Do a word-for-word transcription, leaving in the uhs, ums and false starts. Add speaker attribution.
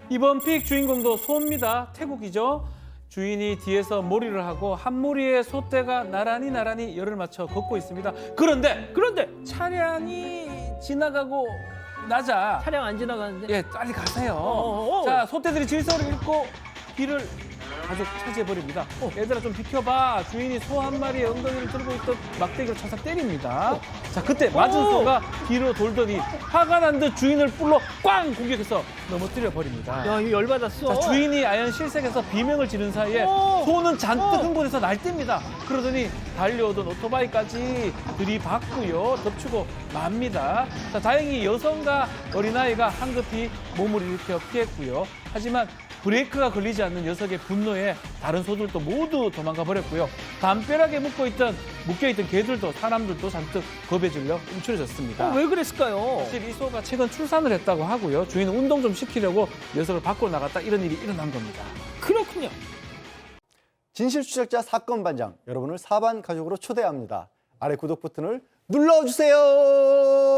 Speaker 1: 이번 픽 주인공도 소입니다. 태국이죠. 주인이 뒤에서 몰이를 하고 한 무리의 소떼가 나란히 나란히 열을 맞춰 걷고 있습니다. 그런데
Speaker 2: 그런데
Speaker 1: 차량이 지나가고 나자
Speaker 2: 차량 안 지나가는데.
Speaker 1: 예, 빨리 가세요.
Speaker 2: 어어어.
Speaker 1: 자, 소떼들이 질서를 잃고 길을 가득 차지해버립니다. 어, 얘들아 좀 비켜봐. 주인이 소 한 마리의 엉덩이를 들고 있던 막대기로 차서 때립니다. 자, 그때 맞은
Speaker 2: 오.
Speaker 1: 소가 뒤로 돌더니 화가 난 듯 주인을 뿔로 꽝 공격해서 넘어뜨려 버립니다.
Speaker 2: 야, 이거 열받았어.
Speaker 1: 자, 주인이 아연 실색해서 비명을 지른 사이에
Speaker 2: 오.
Speaker 1: 소는 잔뜩
Speaker 2: 오.
Speaker 1: 흥분해서 날뜁니다. 그러더니 달려오던 오토바이까지 들이받고요. 덮치고 맙니다. 자, 다행히 여성과 어린아이가 황급히 몸을 일으켜 피했고요. 하지만 브레이크가 걸리지 않는 녀석의 분노에 다른 소들도 모두 도망가 버렸고요. 담벼락에 묶어있던, 묶여있던 개들도 사람들도 잔뜩 겁에 질려 움츠러졌습니다.
Speaker 2: 어, 왜 그랬을까요?
Speaker 1: 사실 이 소가 최근 출산을 했다고 하고요. 주인은 운동 좀 시키려고 녀석을 밖으로 나갔다 이런 일이 일어난 겁니다.
Speaker 2: 그렇군요.
Speaker 3: 진실추적자 사건 반장, 여러분을 사반 가족으로 초대합니다. 아래 구독 버튼을 눌러주세요.